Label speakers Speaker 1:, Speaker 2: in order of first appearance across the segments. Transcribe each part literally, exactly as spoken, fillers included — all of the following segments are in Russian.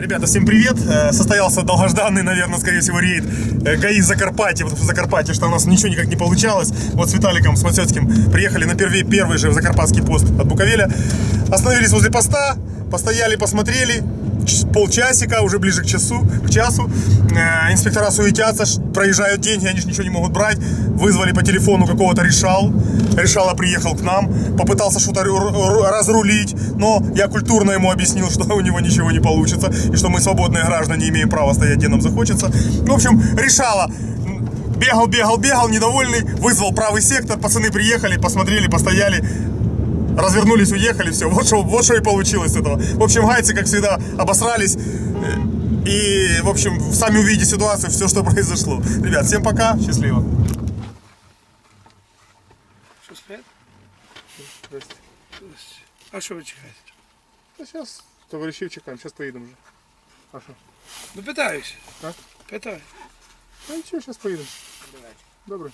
Speaker 1: Ребята, всем привет! Состоялся долгожданный, наверное, скорее всего, рейд ГАИ Закарпатье, потому что в Закарпатье, что у нас ничего никак не получалось. Вот с Виталиком, с Мацёцким приехали на первый, первый же в Закарпатский пост от Буковеля. Остановились возле поста, постояли, посмотрели. Полчасика, уже ближе к часу, к часу. Инспектора суетятся, проезжают деньги, они же ничего не могут брать. Вызвали по телефону какого-то решал. Решала приехал к нам, попытался что-то разрулить, но я культурно ему объяснил, что у него ничего не получится, и что мы, свободные граждане, имеем право стоять, где нам захочется. В общем, решала. Бегал, бегал, бегал, недовольный, вызвал правый сектор, пацаны приехали, посмотрели, постояли. Развернулись, уехали, все. Вот что, вот что и получилось с этого. В общем, гайцы, как всегда, обосрались. И, в общем, сами увидите ситуацию, все, что произошло. Ребят, всем пока, счастливо.
Speaker 2: Что, спят? Здрасте. А что вы чекаете?
Speaker 1: Да сейчас товарищей чекаем, сейчас поедем уже. А что?
Speaker 2: Ну, питаюсь.
Speaker 1: А?
Speaker 2: Питаю.
Speaker 1: Ну ничего, сейчас поедем. Добре.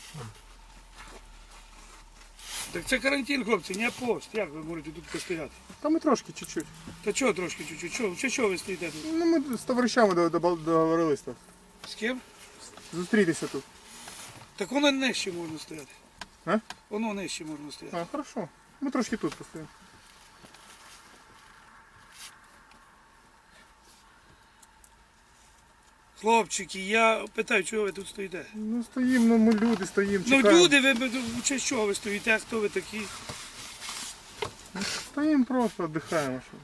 Speaker 2: Так це карантин, хлопці, не пост. Як ви можете тут постояти?
Speaker 1: Та ми трошки, чуть-чуть.
Speaker 2: Та чого трошки чуть-чуть? Чого, чого, чого ви стоїте тут?
Speaker 1: Ну, ми з товаришами договорились так.
Speaker 2: З ким?
Speaker 1: Зустрітися тут.
Speaker 2: Так воно нижче можна стояти.
Speaker 1: А?
Speaker 2: Воно нижче можна стояти.
Speaker 1: А, хорошо. Ми трошки тут постоїмо.
Speaker 2: Хлопчики, я питаю, чого ви тут стоїте?
Speaker 1: Ну стоїмо, ну ми люди стоїмо,
Speaker 2: Ну
Speaker 1: чекаємо.
Speaker 2: люди, ви ви- чи чого ви стоїте, а хто ви такі?
Speaker 1: Стоїмо просто, віддихаємо. Що.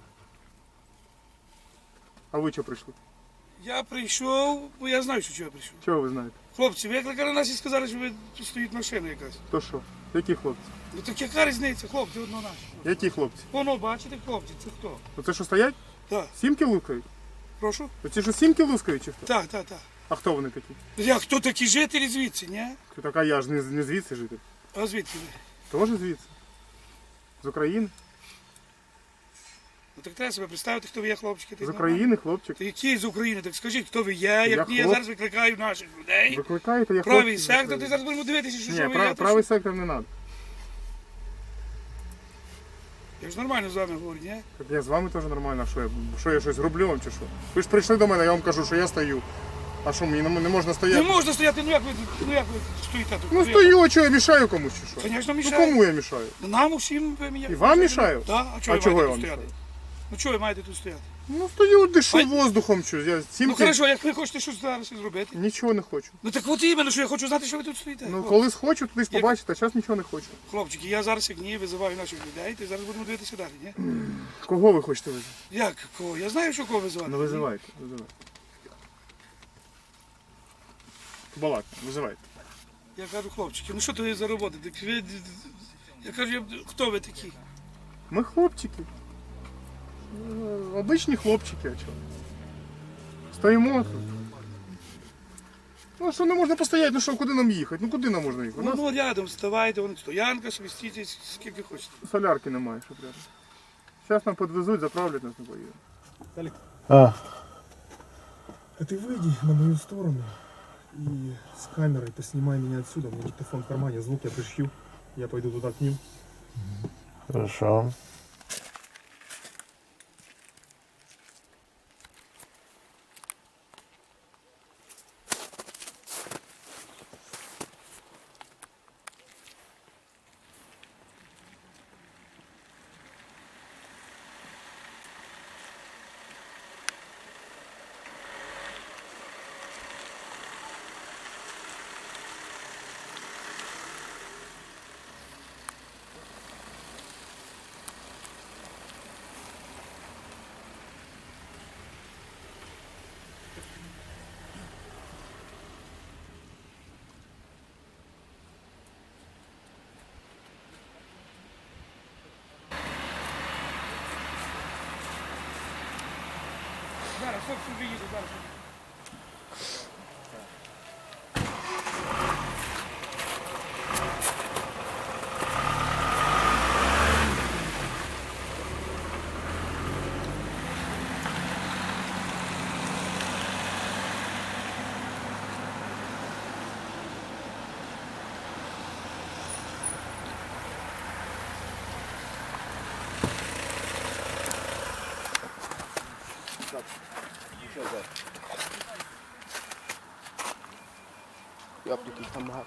Speaker 1: А ви чого прийшли?
Speaker 2: Я прийшов, бо я знаю, що чого я прийшов.
Speaker 1: Чого ви знаєте?
Speaker 2: Хлопці, ви викликали нас і сказали, що ви тут стоїть машина якась.
Speaker 1: То що? Які хлопці?
Speaker 2: Ну так яка різниця, хлопці, одно наші.
Speaker 1: Які хлопці?
Speaker 2: Воно, бачите, хлопці, це хто?
Speaker 1: Оце що стоять?
Speaker 2: Так,
Speaker 1: Сімки лускають?
Speaker 2: прошу?
Speaker 1: Оці що сімки лускають чи хто?
Speaker 2: Так, так, так.
Speaker 1: А хто вони такі?
Speaker 2: Я хто такі жителі звідси, ні?
Speaker 1: Така я ж не, не звідси житель.
Speaker 2: А звідки ви?
Speaker 1: Теж звідси. З України.
Speaker 2: Ну так треба себе представити, хто ви є, хлопчики.
Speaker 1: З України, хлопчик.
Speaker 2: Та які з України? Так скажіть, хто ви є, як ні, я
Speaker 1: хлоп-
Speaker 2: зараз викликаю наших людей.
Speaker 1: Викликаєте, я
Speaker 2: Правий
Speaker 1: хлопчик з
Speaker 2: сектор,
Speaker 1: України.
Speaker 2: ти зараз будемо дивитися, що,
Speaker 1: Ні,
Speaker 2: що ви
Speaker 1: прав,
Speaker 2: є.
Speaker 1: правий сектор не треба.
Speaker 2: Я ж нормально з вами говорю, ні?
Speaker 1: Так я з вами теж нормально, а що я, що я щось роблю вам чи що? Ви ж прийшли до мене, я вам кажу, що я стою. А що, мені не не можна
Speaker 2: Не
Speaker 1: стояти?
Speaker 2: можна стояти, ну як ви, ну як ви стоїте тут?
Speaker 1: Ну
Speaker 2: як?
Speaker 1: стою, а що, я мішаю комусь чи що?
Speaker 2: Звісно,
Speaker 1: Ну
Speaker 2: мішаю.
Speaker 1: кому я мішаю?
Speaker 2: Ну, нам усім ви мені.
Speaker 1: І вам мішаю?
Speaker 2: Так, а чого
Speaker 1: А
Speaker 2: ви
Speaker 1: чого
Speaker 2: маєте
Speaker 1: я
Speaker 2: тут
Speaker 1: вам
Speaker 2: стояти?
Speaker 1: мішаю?
Speaker 2: Ну чого ви маєте тут стояти?
Speaker 1: Ну стою, дишу
Speaker 2: Ай.
Speaker 1: воздухом, що я
Speaker 2: Ну
Speaker 1: сімки...
Speaker 2: хорошо, як ви хочете щось зараз зробити?
Speaker 1: Нічого не хочу.
Speaker 2: Ну так от іменно, що я хочу знати, що ви тут стоїте.
Speaker 1: Ну
Speaker 2: хлопці.
Speaker 1: колись хочу, туди
Speaker 2: Як-
Speaker 1: побачити, а зараз нічого не хочу.
Speaker 2: Хлопчики, я зараз як ні, визиваю наших людей, ти зараз будемо дивитися далі, ні?
Speaker 1: Кого ви хочете визивати?
Speaker 2: Як кого? Я знаю, що кого визивати.
Speaker 1: Ну визивайте, визивайте. Балак, визивайте.
Speaker 2: Я кажу, хлопчики, ну що то є за робота? Так ви... Я кажу, я- хто ви такі?
Speaker 1: Ми хлопчики. Е, Обичні хлопчики, а чого? Стоїмо тут. Ну що не можна постояти, ну що, куди нам їхати? Ну куди нам можна їхати? У
Speaker 2: Ну,
Speaker 1: нас
Speaker 2: ну рядом вставайте, вон стоянка, собі стійте, скільки хочете.
Speaker 1: солярки немає, щоб рядом. Зараз нам підвезуть, заправлять нас не поїдемо.
Speaker 3: А,
Speaker 4: А ты выйди на мою сторону и с камерой поснимай меня отсюда. У меня диктофон в кармане, звук я пришью. Я пойду туда к ним.
Speaker 3: хорошо.
Speaker 2: Зараз, хлопці, виїду, зараз.
Speaker 1: Так,
Speaker 5: Йопники там багато.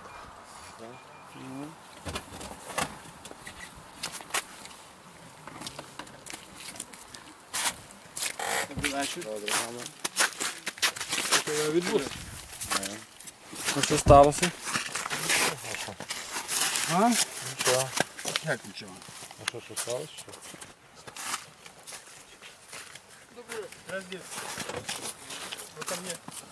Speaker 6: А що сталося? А?
Speaker 3: Нічого.
Speaker 6: Як нічого?
Speaker 3: А що, що сталося? Що?
Speaker 4: Вот ко мне.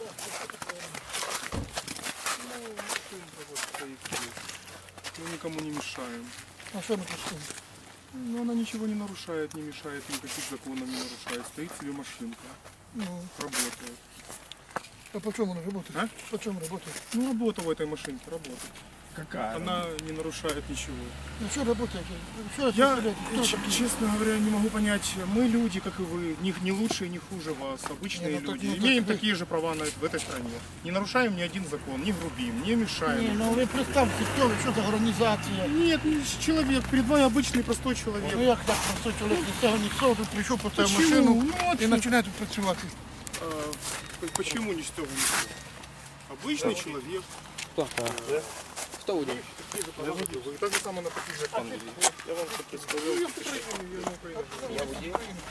Speaker 4: Мы никому не мешаем.
Speaker 2: А що ми тут?
Speaker 4: Но она ничего не нарушает, не мешает, никаких законов не нарушает. Стоит себе машинка,
Speaker 2: Ну,
Speaker 4: работает.
Speaker 2: а по чому вона працює?
Speaker 4: А?
Speaker 2: По чому працює?
Speaker 4: Ну, работа в этой машинке, работает.
Speaker 6: Какая?
Speaker 4: Она не нарушает ничего.
Speaker 2: Ну що працює? Що
Speaker 4: Я,
Speaker 2: представляєте? Хто
Speaker 4: ч-
Speaker 2: такий?
Speaker 4: честно говоря, не могу понять, мы люди, как и вы, не, не лучше и не хуже вас, обычные
Speaker 2: Не, ну так,
Speaker 4: люди,
Speaker 2: ну так
Speaker 4: имеем
Speaker 2: вы-
Speaker 4: такие же права на, в этой стране. Не нарушаем ни один закон, не грубим, не мешаем.
Speaker 2: Ні, ну ви представте, хто ви, що за організація?
Speaker 4: Нет, ну, человек, перед вами обычный простой человек.
Speaker 2: Ну як так простой чоловік ні з цього, ні з цього, тут прийшов, поставив
Speaker 4: Почему?
Speaker 2: машину
Speaker 4: Ну, вот,
Speaker 2: і починає тут працювати.
Speaker 4: а, п- почему не с того не с того? Обычный человек.
Speaker 5: Хто? Хто водій?
Speaker 4: Вы так же самое на таких же пан. Я вам что представлял.
Speaker 5: Я водій.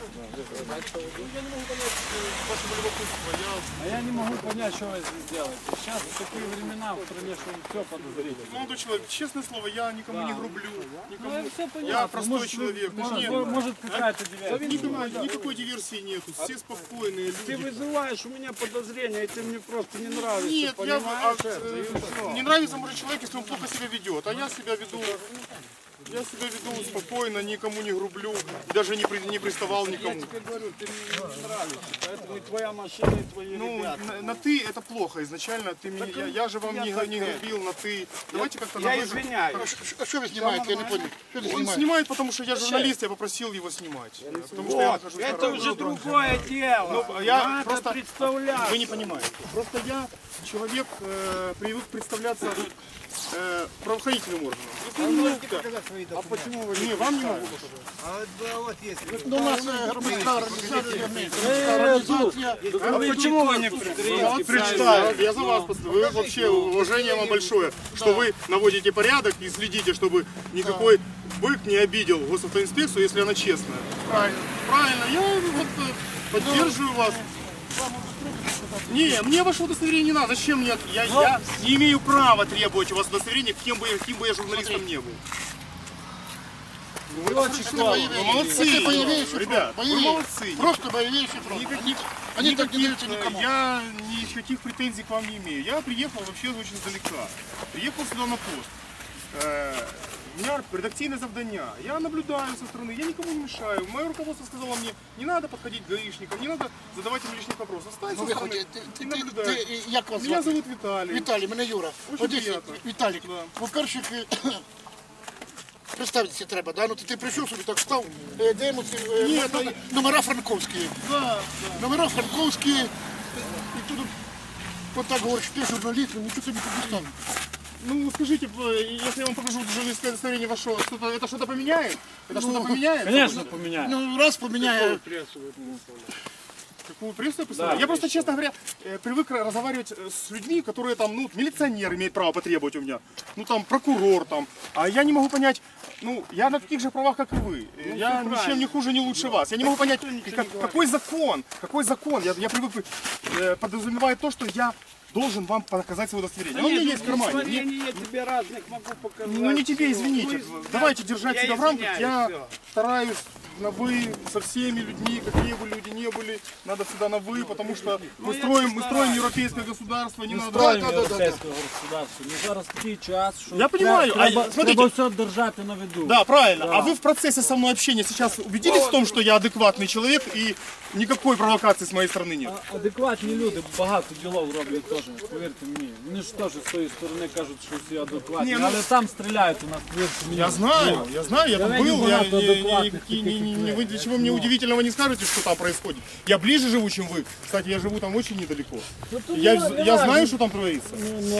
Speaker 4: Ваше любопытство, я...
Speaker 6: А я не могу понять, что вы здесь делаете. Сейчас такие времена в стране, что все подозрительно.
Speaker 4: Молодой человек, честное слово, я никому не грублю. Никому.
Speaker 6: Ну, все понятно.
Speaker 4: Я простой
Speaker 6: Может,
Speaker 4: человек.
Speaker 6: Может,
Speaker 4: Нет,
Speaker 6: может какая-то диверсия.
Speaker 4: никакой, никакой диверсии нету. Все спокойные
Speaker 6: Ты
Speaker 4: люди.
Speaker 6: вызываешь у меня подозрения, и ты мне просто не нравишься.
Speaker 4: Нет, я,
Speaker 6: понимаешь
Speaker 4: а,
Speaker 6: это? И
Speaker 4: э,
Speaker 6: всё.
Speaker 4: не нравится может человек, если он плохо себя ведет. А я себя веду, я себя веду спокойно, никому не грублю, даже не, при- не приставал
Speaker 6: Я
Speaker 4: никому.
Speaker 6: тебе говорю, ты мне не нравишься. Поэтому и твоя машина, и твои
Speaker 4: Ну,
Speaker 6: ребята.
Speaker 4: на, на ты это плохо изначально. Ты меня, я, я же вам
Speaker 6: я
Speaker 4: не,
Speaker 6: так
Speaker 4: не
Speaker 6: это.
Speaker 4: грубил на ты. Давайте как-то на
Speaker 6: Я
Speaker 4: вы.
Speaker 6: извиняюсь.
Speaker 2: А що ви знімаєте? Я не понял. Що ви
Speaker 4: Он
Speaker 2: знімаєте?
Speaker 4: снимает, потому что я журналист, я попросил его снимать. Потому что я
Speaker 6: Вот,
Speaker 4: нахожусь на
Speaker 6: это
Speaker 4: работе.
Speaker 6: уже другое дело.
Speaker 4: Ну, я
Speaker 6: Надо
Speaker 4: просто-
Speaker 6: представлять.
Speaker 4: Вы не понимаете. Просто я человек, э, привык представляться э, правоохранительным органам. Ну,
Speaker 6: А почему вы
Speaker 4: не, вам не могу.
Speaker 2: Ну, у нас е, громадська організація, ми, громадська організація.
Speaker 6: А почему вы не
Speaker 4: Я
Speaker 6: представляете?
Speaker 4: вот прочитаю, я за вас поставлю. Вы вообще, уважение вам большое, что вы наводите порядок и следите, чтобы никакой бык не обидел госавтоинспекцию, если она честная. Правильно. Правильно, я вот э, поддерживаю вас. Не, мне ваше удостоверение не надо. Зачем мне? Я, я не имею права требовать у вас удостоверения, кем бы, я- каким бы я журналистом не был. Вы молодцы,
Speaker 2: Це бойовіші
Speaker 4: ребят,
Speaker 2: фронт.
Speaker 4: вы
Speaker 2: Бойові.
Speaker 4: молодцы.
Speaker 2: Просто бойовіші фронт.
Speaker 4: Никаких,
Speaker 2: Они так не
Speaker 4: никаких,
Speaker 2: даются
Speaker 4: э,
Speaker 2: никому.
Speaker 4: я никаких претензий к вам не имею. Я приехал вообще очень издалека. Приехал сюда на пост. Э, У меня редакционное завдання. Я наблюдаю со стороны, я никому не мешаю. Мое руководство сказало мне, не надо подходить к гаишникам, не надо задавать им лишних вопросов. Стань
Speaker 2: Ну,
Speaker 4: со
Speaker 2: ви
Speaker 4: стороны
Speaker 2: ходите. Ти,
Speaker 4: и
Speaker 2: ти,
Speaker 4: наблюдай.
Speaker 2: ти, ти, як вас
Speaker 4: Меня
Speaker 2: звати?
Speaker 4: зовут Виталий.
Speaker 2: Віталій, мене Юра.
Speaker 4: Очень
Speaker 2: Одесі,
Speaker 4: приємно.
Speaker 2: Віталік,
Speaker 4: Да.
Speaker 2: по-перше, е, представитися треба, да? Ну, ти, ти прийшов собі, так став, е, де ці е,
Speaker 4: Ні,
Speaker 2: н-
Speaker 4: ну,
Speaker 2: н- номера франковські.
Speaker 4: Да,
Speaker 2: Номера франковські, і тут от так говориш, ти журналіст, ну нічого тобі тут не ставить.
Speaker 4: ну скажите, э, если я вам покажу журналистское удостоверение ваше, что-то, это что-то поменяет? Это что-то поменяет?
Speaker 6: Конечно, поменяю.
Speaker 2: Ну, раз поміняє,
Speaker 4: Какую прессу я представляю? Я просто, честно говоря, э, привык разговаривать э, с людьми, которые там, ну, милиционер имеет право потребовать у меня, ну, там, прокурор там, а я не могу понять, ну, я на таких же правах, как и вы, Э, я ничем не хуже, не лучше вас, я не могу понять, как- какой закон, какой закон, я, я привык, э, подразумевает то, что я должен вам показать свое удостоверение. Оно у меня есть в кармане. Мне-
Speaker 6: Я тебе разных могу показать.
Speaker 4: Ну не тебе,
Speaker 6: всё.
Speaker 4: извините.
Speaker 6: Ну,
Speaker 4: Давайте держать
Speaker 6: я
Speaker 4: себя в рамках.
Speaker 6: извиняюсь,
Speaker 4: Я
Speaker 6: всё.
Speaker 4: стараюсь на вы со всеми людьми, какие бы люди ни были, надо всегда на вы, потому что
Speaker 6: Ну,
Speaker 4: мы
Speaker 6: я
Speaker 4: строим,
Speaker 6: не
Speaker 4: мы
Speaker 6: стараюсь.
Speaker 4: строим европейское государство, не
Speaker 6: Ми
Speaker 4: надо.
Speaker 6: строїмо
Speaker 2: Да, да, да, да.
Speaker 6: європейське государство. Ми зараз такий час, що
Speaker 4: Я понимаю, а
Speaker 6: треба,
Speaker 4: смотрите-
Speaker 6: треба все держати на виду.
Speaker 4: Да, правильно. А вы в процессе со мной общения сейчас убедились в том, что я адекватный человек и никакой провокации с моей стороны нет?
Speaker 6: А- Адекватні люди багато ділов роблять теж, повірте мені. Вони ж теж з тої сторони кажуть, що всі адекватні,
Speaker 4: Ні, ну-
Speaker 6: але там стріляють у нас, повірте мені.
Speaker 4: Я знаю, я знаю, я там
Speaker 6: Давай не
Speaker 4: был, я,
Speaker 6: багато
Speaker 4: не- не-
Speaker 6: адекватных
Speaker 4: никакие-
Speaker 6: таких,
Speaker 4: не- не-
Speaker 6: как
Speaker 4: вы
Speaker 6: я.
Speaker 4: ничего мне удивительного не скажете, что там происходит. Я ближе живу, чем вы. Кстати, я живу там очень недалеко.
Speaker 6: Ну, то
Speaker 4: Я,
Speaker 6: не- не
Speaker 4: я
Speaker 6: важно.
Speaker 4: знаю, что там творится.
Speaker 6: Ну, ну.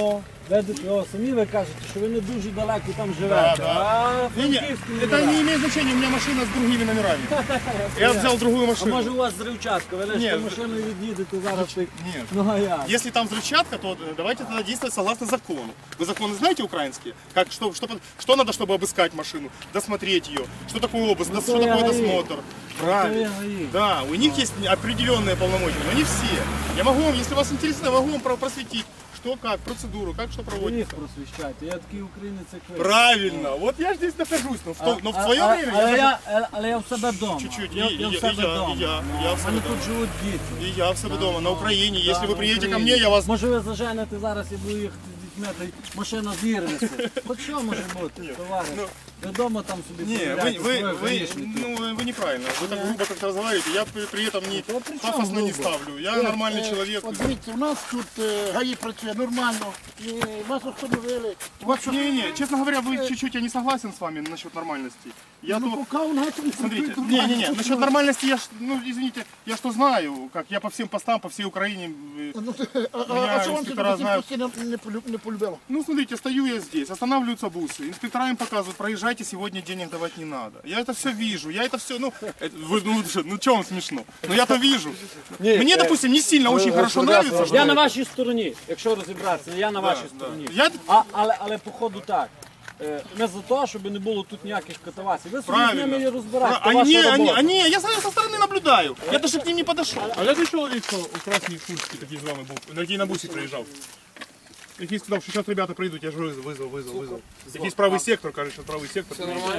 Speaker 6: Ведете його самі, ви кажете, що ви не дуже далеко там
Speaker 4: Да,
Speaker 6: живете.
Speaker 4: да.
Speaker 6: А
Speaker 4: Не, не,
Speaker 6: Франківський
Speaker 4: это
Speaker 6: номера.
Speaker 4: не имеет значения, у меня машина с другими номерами. Я взял другую
Speaker 6: А
Speaker 4: машину.
Speaker 6: може у вас зривчатка, ви лише
Speaker 4: Ні.
Speaker 6: машиною від'їдете зараз. так-
Speaker 4: Нет.
Speaker 6: Ну а як?
Speaker 4: Если там взрывчатка, то давайте тогда действовать согласно закону. Вы законы знаете украинские? Как, что, что, что надо, чтобы обыскать машину, досмотреть ее? Что такое обыск,
Speaker 6: Ну,
Speaker 4: что
Speaker 6: то я
Speaker 4: такое
Speaker 6: ГАИ.
Speaker 4: досмотр? Правильно.
Speaker 6: То я ГАИ.
Speaker 4: Да, у них есть определенные полномочия, но не все. Я могу вам, если вас интересно, я могу вам про- просветить, что как, процедуру, как что
Speaker 6: Ви
Speaker 4: проводится.
Speaker 6: їх просвіщайте, я такий українець, як ви.
Speaker 4: Правильно. Вот я здесь нахожусь, но в, то- но в
Speaker 6: А-
Speaker 4: свое
Speaker 6: а-
Speaker 4: время
Speaker 6: але
Speaker 4: я...
Speaker 6: я, е, але я в себе вдома.
Speaker 4: Чуть-чуть,
Speaker 6: Я,
Speaker 4: і-
Speaker 6: я
Speaker 4: і-
Speaker 6: в себе
Speaker 4: і я-
Speaker 6: вдома.
Speaker 4: і я-
Speaker 6: Ну,
Speaker 4: я в
Speaker 6: в
Speaker 4: себе
Speaker 6: мене
Speaker 4: вдома.
Speaker 6: тут живуть діти.
Speaker 4: И я в себе дома, на Украине.
Speaker 6: Да,
Speaker 4: Если вы
Speaker 6: на
Speaker 4: приедете ко
Speaker 6: Україні.
Speaker 4: мне, я вас...
Speaker 6: Може ви заженете зараз і буду їхати з дітьми, та й машина зірнеться. Хоч що може бути, товариш? Ви вдома там собі
Speaker 4: Не, вы,
Speaker 6: перевіряйте
Speaker 4: вы,
Speaker 6: своє
Speaker 4: вы,
Speaker 6: гаїшники.
Speaker 4: ну, вы, вы неправильно. Вы так грубо как-то разговариваете. Я при, при этом не
Speaker 6: Да при чём
Speaker 4: пафосно не
Speaker 6: грубо?
Speaker 4: ставлю. Я нормальный человек.
Speaker 7: От дивіться, у нас тут е, ГАІ працює нормально, і вас встановили. У вас що?
Speaker 4: Не-не, честно говоря, вы чуть-чуть, я не согласен с вами насчет нормальности. Я
Speaker 7: Ну,
Speaker 4: то...
Speaker 7: поки у нас не
Speaker 4: Смотрите,
Speaker 7: працює
Speaker 4: не-не-не,
Speaker 7: нормально.
Speaker 4: насчет нормальности я, ж- ну, извините, я что знаю, как я по всем постам, по всей Украине. э,
Speaker 7: Ну, ти- а, а,
Speaker 4: Меня
Speaker 7: а що вам це
Speaker 4: інспектора знають.
Speaker 7: постійно не, полю- не полюбило?
Speaker 4: Ну, смотрите, стою я здесь, останавливаются бусы, инспектора им показывают, проезжайте, сегодня денег давать не надо. Я это все вижу, я это все, ну, это, вы, ну, что, ну, что вам смешно? Ну, я-то вижу. Мне, допустим, не сильно очень хорошо нравится, что...
Speaker 6: Я на вашій стороні, якщо розібратися, я на вашій стороні.
Speaker 4: Я-
Speaker 6: А, але, але походу так. Е, Не за те, щоб не було тут ніяких катавасій. Ви собі з ними і
Speaker 4: Правильно.
Speaker 6: розбирайте,
Speaker 4: А
Speaker 6: це ваша
Speaker 4: они, они,
Speaker 6: робота.
Speaker 4: они, я со со стороны наблюдаю. Я даже к ним не подошел.
Speaker 1: А я человек, что у красной куртки такие с вами был, який на бусі приїжджав. Який сказав, що зараз ребята прийдуть, я ж визвав, визвав, визвав, визвав. Якийсь правий сектор, каже, що правий сектор. Все нормально?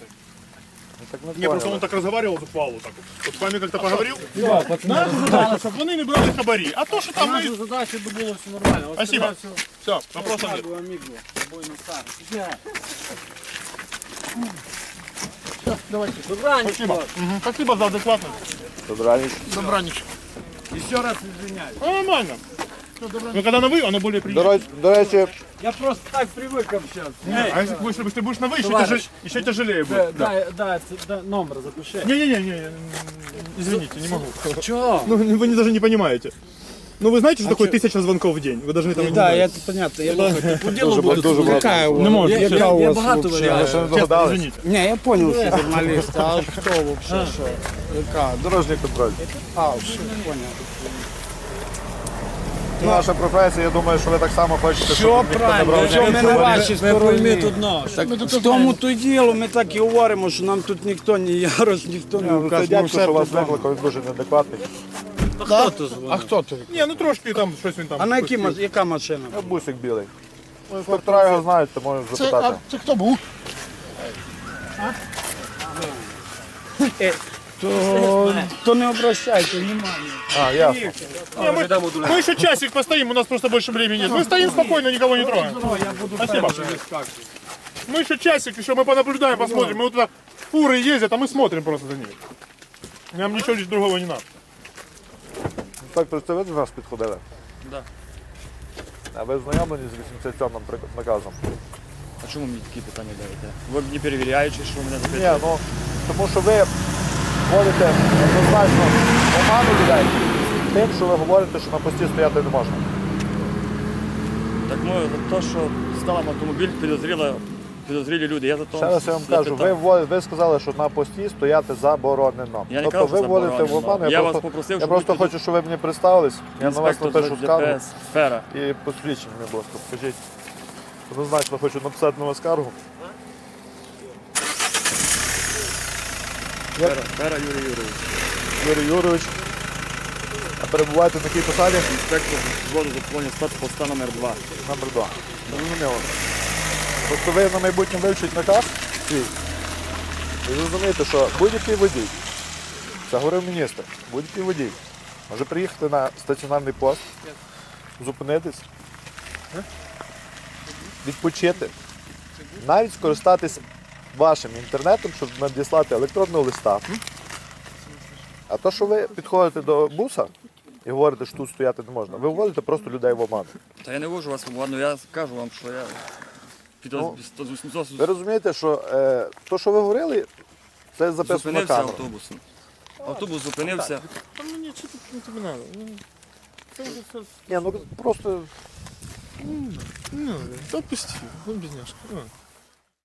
Speaker 1: Не, просто он так разговаривал зухвало так. Вот с вами как-то поговорил. Наша задача, щоб вони не брали хабарі. А то, що там ми...
Speaker 6: Наша задача, щоб було все нормально. Ось
Speaker 4: Спасибо.
Speaker 6: тебе все.
Speaker 4: Все, вопросов нет.
Speaker 6: Дякую, аміго. Тобою на старт. Добраніч.
Speaker 4: Спасибо. Мгм. Спасибо за адекватность.
Speaker 7: Добраніч.
Speaker 6: Ще раз извиняюсь.
Speaker 4: Ну, нормально. Но когда на вы, оно более
Speaker 3: До,
Speaker 4: приятно.
Speaker 3: ре- до речі,
Speaker 6: Я просто так привык общаться.
Speaker 4: А если, будешь- если ты будешь на вы, еще,
Speaker 6: Товарищ.
Speaker 4: тяжелее, еще тяжелее
Speaker 6: Да,
Speaker 4: будет.
Speaker 6: да, да, це- да, номер запиши.
Speaker 4: Не-не-не, извините, не могу.
Speaker 6: Чого?
Speaker 4: Ну, вы не- даже не понимаете. Ну, вы знаете, что такое тысяча звонков в день? Вы должны там...
Speaker 6: Да, я понятно, я думаю, по ділу буду.
Speaker 3: дуже багато.
Speaker 4: Не можете.
Speaker 6: Я, я, я багато
Speaker 3: Ви
Speaker 6: варіантів.
Speaker 3: ще не
Speaker 4: Честно,
Speaker 3: догадались?
Speaker 4: извините.
Speaker 8: Не, я понял, что журналист, а что вообще, что? Яка?
Speaker 3: Дорожній контроль.
Speaker 8: А, все, понял.
Speaker 3: Це наша професія, я думаю, що ви так само хочете, щоб
Speaker 8: Все
Speaker 3: ніхто не
Speaker 8: правильно,
Speaker 3: брав
Speaker 8: все ми
Speaker 3: ніяких
Speaker 8: на
Speaker 3: хабарів.
Speaker 8: вашій
Speaker 6: Ви пойміть
Speaker 8: стороні.
Speaker 6: одно, що
Speaker 8: Так, в тому то й діло, ми так і говоримо, що нам тут ніхто, ні Ярос, ніхто не
Speaker 3: Ну, Це
Speaker 8: вкаже. Ми
Speaker 3: дядько,
Speaker 8: все
Speaker 3: що вас
Speaker 8: тут знаємо.
Speaker 3: викликав, він дуже неадекватний.
Speaker 6: хто то дзвонив?
Speaker 8: А хто ти?
Speaker 4: Не, ну трошки там щось він там.
Speaker 8: А на які, ма- яка машина?
Speaker 3: Ну, бусик білий. Ну, інспектора його знають, то можуть
Speaker 7: Це, а,
Speaker 3: запитати.
Speaker 7: це хто був?
Speaker 8: То, то не обращайте внимання.
Speaker 3: А, ясно.
Speaker 4: Не, мы, мы еще часик постоим, у нас просто больше времени нет. Мы стоим спокойно, никого не трогаем. Спасибо. Мы еще часик, еще мы понаблюдаем, посмотрим. Мы вот туда фуры ездят, а мы смотрим просто за ними. Нам ничего лишь другого не надо.
Speaker 3: Інспектор, це ви до нас підходили? Так. А ви знайомлені з вісімдесят сьомим прик- наказом?
Speaker 9: А чому мені такі питання даєте? Ви не перевіряючи, що ви мене
Speaker 3: Ні,
Speaker 9: запитуєте?
Speaker 3: ну, тому що ви вводите однозначно оману людей тим, що ви говорите, що на пості стояти не можна.
Speaker 9: Так ну, за те, що став автомобіль, підозріли, підозрілі люди. Я за то
Speaker 3: Ще раз я вам
Speaker 9: запитав.
Speaker 3: кажу, ви, вводите- ви сказали, що на пості стояти заборонено.
Speaker 9: Я не
Speaker 3: тобто
Speaker 9: кажу,
Speaker 3: ви
Speaker 9: що
Speaker 3: вводите в
Speaker 9: заборонено.
Speaker 3: оману,
Speaker 9: Я
Speaker 3: я,
Speaker 9: вас
Speaker 3: просто,
Speaker 9: попросив,
Speaker 3: я
Speaker 9: щоб
Speaker 3: просто
Speaker 9: ви
Speaker 3: хочу, щоб ви мені представились, я на вас
Speaker 9: інспектор
Speaker 3: напишу
Speaker 9: з
Speaker 3: скаргу
Speaker 9: ДПС, сфера.
Speaker 3: і посвідчення, мені, будь ласка, скажіть. Однозначно хочу написати на вас скаргу.
Speaker 9: Сфера, сфера Юрій Юрійович.
Speaker 3: Юрій Юрійович, а перебуваєте на якій посаді?
Speaker 9: Інспектор взводу заповнення спецпоста номер два.
Speaker 3: Номер два. Зрозуміло. Тобто ви на майбутнє вивчить наказ свій. І зрозумієте, що будь-який водій, це говорив міністр, будь-який водій може приїхати на стаціонарний пост, зупинитись, відпочити, навіть скористатись вашим інтернетом, щоб надіслати електронного листа. А то, що ви підходите до буса і говорите, що тут стояти не можна, ви вводите просто людей в оману.
Speaker 9: Та я не вожу вас в ладно, я кажу вам, що я
Speaker 3: Ну,
Speaker 9: підоз...
Speaker 3: Ви розумієте, що е, то, що ви говорили, це записано на
Speaker 9: зупинився
Speaker 3: камеру.
Speaker 9: автобусом. Автобус зупинився.
Speaker 3: Ні, ну просто
Speaker 4: Ну, отпусти, он бедняжка. А.